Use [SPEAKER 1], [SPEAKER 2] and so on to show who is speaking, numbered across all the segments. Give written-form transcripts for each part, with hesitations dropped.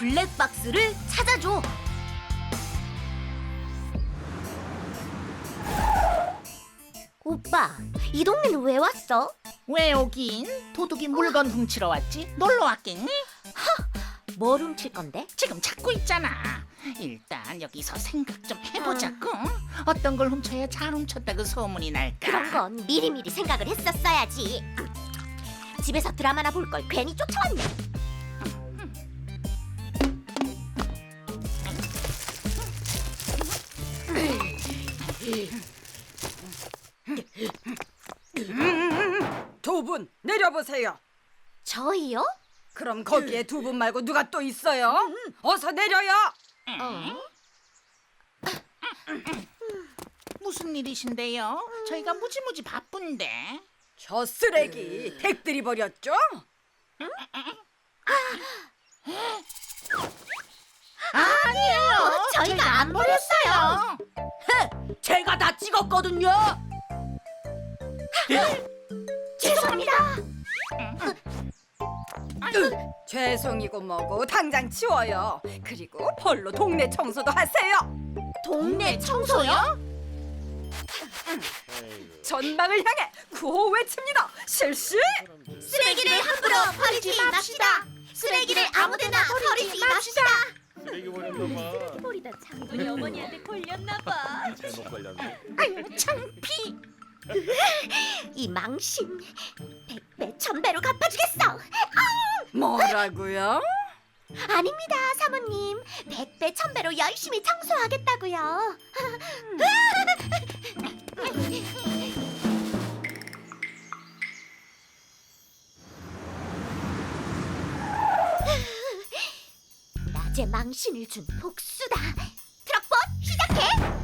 [SPEAKER 1] 블랙박스를 찾아줘. 오빠, 이 동네는 왜 왔어?
[SPEAKER 2] 왜 오긴? 도둑이 물건 훔치러 왔지? 놀러 왔겠니?
[SPEAKER 1] 뭘 훔칠 건데?
[SPEAKER 2] 지금 찾고 있잖아. 일단 여기서 생각 좀 해보자고. 어떤 걸 훔쳐야 잘 훔쳤다고 소문이 날까?
[SPEAKER 1] 그런 건 미리미리 생각을 했었어야지. 집에서 드라마나 볼 걸 괜히 쫓아왔네.
[SPEAKER 3] 두 분 내려보세요.
[SPEAKER 1] 저희요?
[SPEAKER 3] 그럼 거기에 두 분 말고 누가 또 있어요? 어서 내려요.
[SPEAKER 2] 무슨 일이신데요? 저희가 무지무지 바쁜데.
[SPEAKER 3] 저 쓰레기 댁들이 버렸죠?
[SPEAKER 2] 아니에요.
[SPEAKER 1] 저희가 안 버렸어요.
[SPEAKER 3] 제가 다 찍었거든요.
[SPEAKER 1] 죄송합니다.
[SPEAKER 3] 죄송이고 뭐고 당장 치워요. 그리고 벌로 동네 청소도 하세요.
[SPEAKER 1] 동네 청소요?
[SPEAKER 3] 전방을 향해 구호 외칩니다. 실시.
[SPEAKER 1] 쓰레기를 함부로 버리지 맙시다. 쓰레기를 아무데나 버리지 맙시다.
[SPEAKER 4] 쓰레기 버렸나 봐.
[SPEAKER 1] 버리다 장군이 어머니한테 걸렸나 봐.
[SPEAKER 4] 잘못 걸렸네.
[SPEAKER 2] 아유 창피.
[SPEAKER 1] 이 망신 100배 1000배로 갚아주겠어.
[SPEAKER 3] 뭐라고요?
[SPEAKER 1] 아닙니다, 사모님. 100배 1000배로 열심히 청소하겠다고요. 낮에 망신을 준 복수다. 트럭봇 시작해.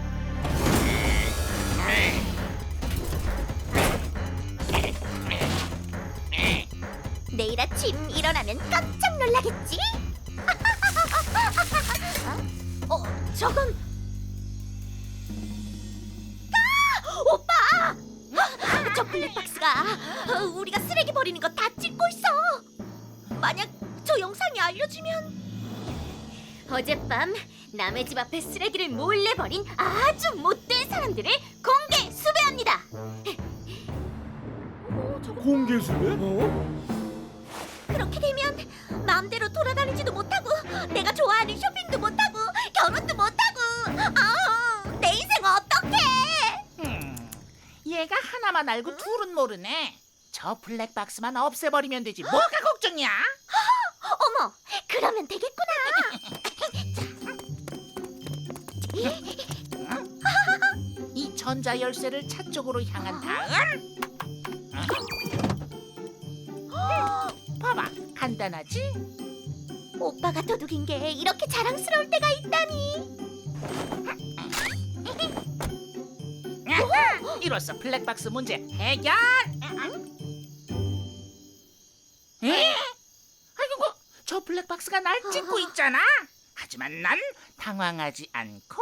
[SPEAKER 1] 내일 아침 일어나면 깜짝 놀라겠지? 저건 오빠! 저 블랙박스가 우리가 쓰레기 버리는 거 다 찍고 있어. 만약 저 영상이 알려지면 어젯밤 남의 집 앞에 쓰레기를 몰래 버린 아주 못된 사람들을 공개 수배합니다.
[SPEAKER 4] 공개 수배?
[SPEAKER 1] 그렇게 되면 마음대로 돌아다니지도 못하고 내가 좋아하는 쇼핑도 못하고 결혼도 못하고 내 인생 어떡해.
[SPEAKER 2] 얘가 하나만 알고 둘은 모르네. 저 블랙박스만 없애버리면 되지. 뭐가 걱정이야?
[SPEAKER 1] 어머, 그러면 되겠구나.
[SPEAKER 2] 이 전자 열쇠를 차 쪽으로 향한 다음 봐봐, 간단하지?
[SPEAKER 1] 오빠가 도둑인 게 이렇게 자랑스러울 때가 있다니.
[SPEAKER 2] 이로써 블랙박스 문제 해결! 에? 아이고, 저 블랙박스가 날 찍고 있잖아. 하지만 난 당황하지 않고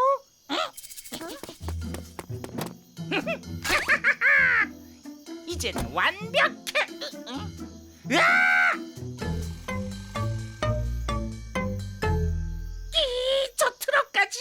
[SPEAKER 2] 이제는 완벽해. 으아! 저 트럭까지.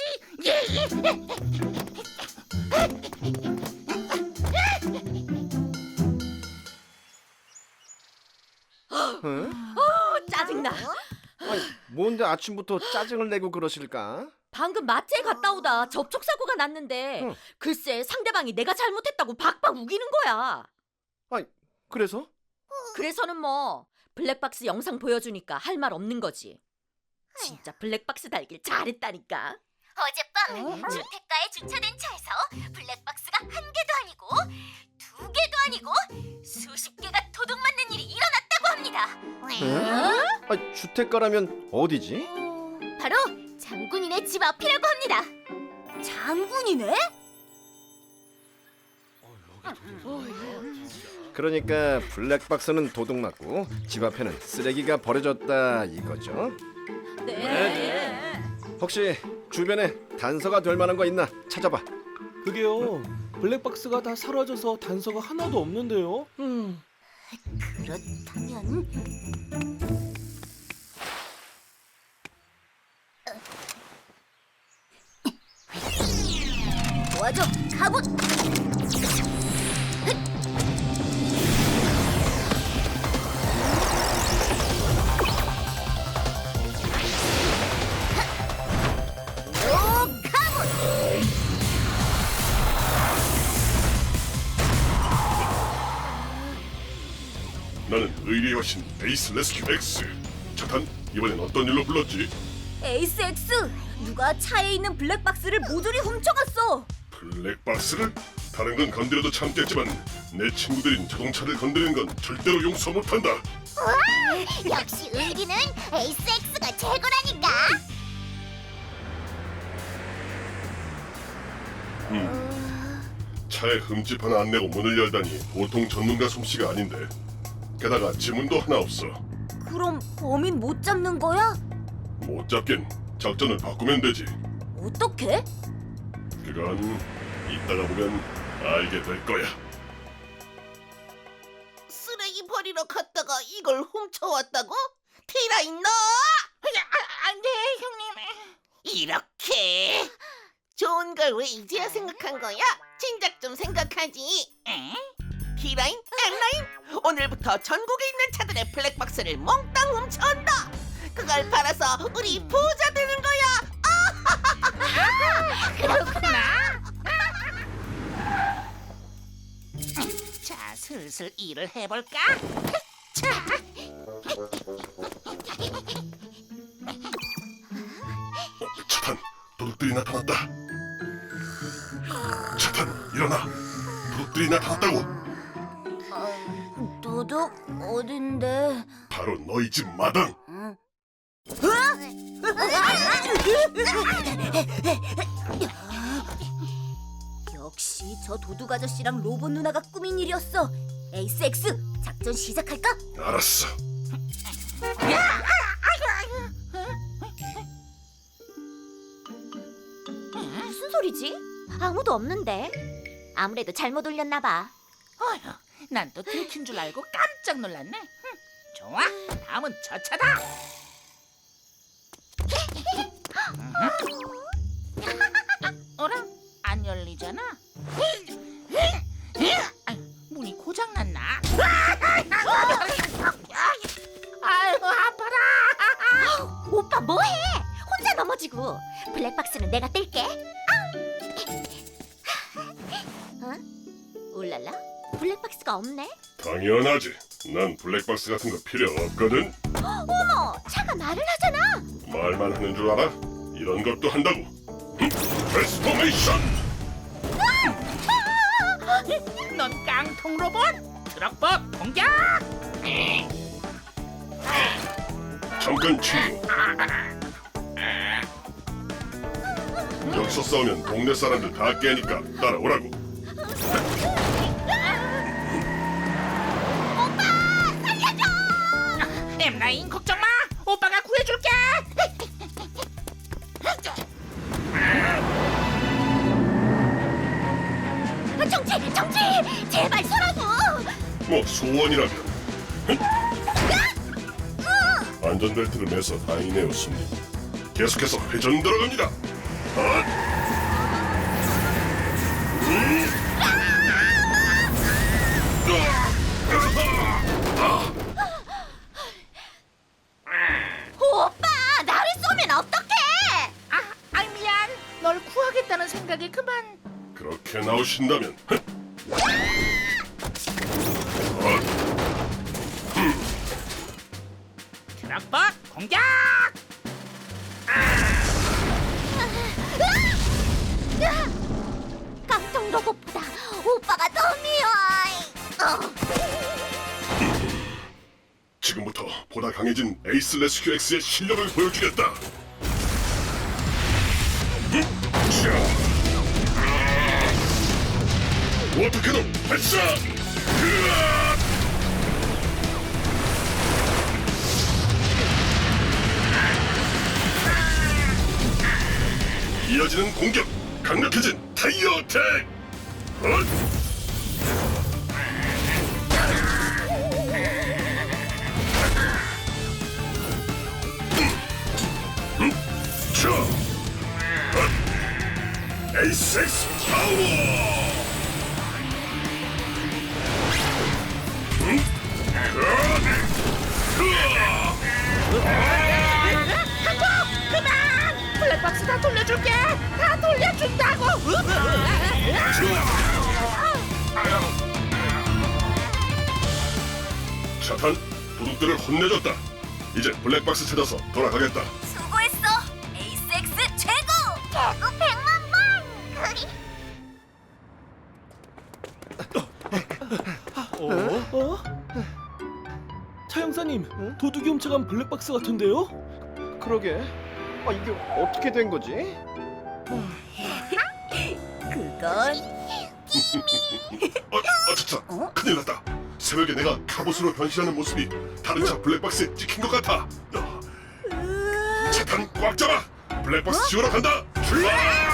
[SPEAKER 4] 응?
[SPEAKER 3] 짜증나.
[SPEAKER 4] 아니, 뭔데 아침부터 짜증을 내고 그러실까?
[SPEAKER 3] 방금 마트에 갔다 오다 접촉 사고가 났는데
[SPEAKER 4] 응.
[SPEAKER 3] 글쎄 상대방이 내가 잘못했다고 박박 우기는 거야.
[SPEAKER 4] 아니, 그래서?
[SPEAKER 3] 그래서는 뭐 블랙박스 영상 보여주니까 할 말 없는 거지. 진짜 블랙박스 달길 잘했다니까.
[SPEAKER 1] 어젯밤 주택가에 주차된 차에서 블랙박스가 한 개도 아니고 두 개도 아니고 수십 개가 도둑 맞는 일이 일어났다고 합니다.
[SPEAKER 4] 응? 아니, 주택가라면 어디지?
[SPEAKER 1] 바로 장군이네 집 앞이라고 합니다. 장군이네?
[SPEAKER 4] 그러니까 블랙박스는 도둑맞고 집 앞에는 쓰레기가 버려졌다 이거죠?
[SPEAKER 3] 네.
[SPEAKER 4] 혹시 주변에 단서가 될 만한 거 있나 찾아봐.
[SPEAKER 5] 그게요. 블랙박스가 다 사라져서 단서가 하나도 없는데요.
[SPEAKER 1] 그렇다면 도와줘, 가봇.
[SPEAKER 6] 나는 의리의 여신 에이스 레스큐 X. 착한 이번엔 어떤 일로 불렀지?
[SPEAKER 1] 에이스 X, 누가 차에 있는 블랙박스를 모조리 훔쳐갔어.
[SPEAKER 6] 블랙박스를? 다른 건 건드려도 참겠지만 내 친구들인 자동차를 건드리는 건 절대로 용서 못한다.
[SPEAKER 1] 역시 의리는 에이스 X가 최고라니까.
[SPEAKER 6] 차에 흠집 하나 안 내고 문을 열다니 보통 전문가 솜씨가 아닌데. 게다가 지문도 하나 없어.
[SPEAKER 1] 그럼 범인 못 잡는 거야?
[SPEAKER 6] 못 잡긴 작전을 바꾸면 되지.
[SPEAKER 1] 어떻게?
[SPEAKER 6] 그건 이따가 보면 알게 될 거야.
[SPEAKER 7] 쓰레기 버리러 갔다가 이걸 훔쳐왔다고? 티라인 너!
[SPEAKER 2] 안돼 형님.
[SPEAKER 7] 이렇게 좋은 걸 왜 이제야 생각한 거야? 진작 좀 생각하지.
[SPEAKER 2] 에?
[SPEAKER 7] T라인, M라인, 오늘부터 전국에 있는 차들의 블랙박스를 몽땅 훔쳐온다. 그걸 팔아서 우리 부자 되는 거야.
[SPEAKER 2] 그렇구나. 자, 슬슬 일을 해볼까? 자,
[SPEAKER 6] 차탄, 도둑들이 나타났다. 차탄, 일어나. 도둑들이 나타났다고.
[SPEAKER 1] 도둑 어딘데?
[SPEAKER 6] 바로 너희 집 마당.
[SPEAKER 1] 역시 저 도둑 아저씨랑 로봇 누나가 꾸민 일이었어. 에이스 X, 작전 시작할까?
[SPEAKER 6] 알았어.
[SPEAKER 1] 무슨 소리지? 아무도 없는데. 아무래도 잘못 올렸나 봐.
[SPEAKER 2] 어휴, 난 또 들킨 줄 알고 깜짝 놀랐네. 좋아, 다음은 저 차다. 어라? 안 열리잖아. 문이 고장 났나? 아유, 아파라.
[SPEAKER 1] 오빠 뭐해? 혼자 넘어지고. 블랙박스는 내가 뗄게. 어? 울랄라? 블랙박스가 없네?
[SPEAKER 6] 당연하지. 난 블랙박스 같은 거 필요 없거든.
[SPEAKER 1] 어머, 차가 말을 하잖아.
[SPEAKER 6] 말만 하는 줄 알아? 이런 것도 한다고. 트랜스포메이션.
[SPEAKER 2] 넌 깡통 로봇 트럭봇 공격!
[SPEAKER 6] 잠깐 친구. 여기서 싸우면 동네 사람들 다 깨니까 따라오라고.
[SPEAKER 2] 엠라인 걱정 마, 오빠가 구해줄게.
[SPEAKER 1] 정지! 정지! 제발 서라고!
[SPEAKER 6] 뭐 소원이라면. 안전벨트를 매서 다행이네요, 손님. 계속해서 회전 들어갑니다.
[SPEAKER 1] 오빠! 나를 쏘면 어떡해!
[SPEAKER 2] 아, 미안. 널 구하겠다는 생각이 그만.
[SPEAKER 6] 그렇게 나오신다면.
[SPEAKER 2] 트럭봇 공격!
[SPEAKER 1] 깡통 로봇보다 오빠가 더 미워!
[SPEAKER 6] 지금부터 보다 강해진 에이스 레스큐 X의 실력을 보여주겠다. 워터캐논 발사! 이어지는 공격! 강력해진 타이어 어택! 에이섹스 파워!
[SPEAKER 2] 블랙박스 다 돌려줄게. 다 돌려준다고.
[SPEAKER 6] 차탄, 도둑들을 혼내줬다. 이제 블랙박스 찾아서 돌아가겠다.
[SPEAKER 1] 수고했어. 에이스엑스 최고. 개구 100만 번.
[SPEAKER 5] 어? 차 형사님, 도둑이 훔쳐간 블랙박스 같은데요?
[SPEAKER 4] 그러게. 아, 이게 어떻게 된 거지?
[SPEAKER 1] 그건
[SPEAKER 6] 아차차, 큰일 났다. 새벽에 내가 갑옷으로 변신하는 모습이 다른 차 블랙박스에 찍힌 것 같아. 차탄 꽉 잡아. 블랙박스 지우러 간다. 출발!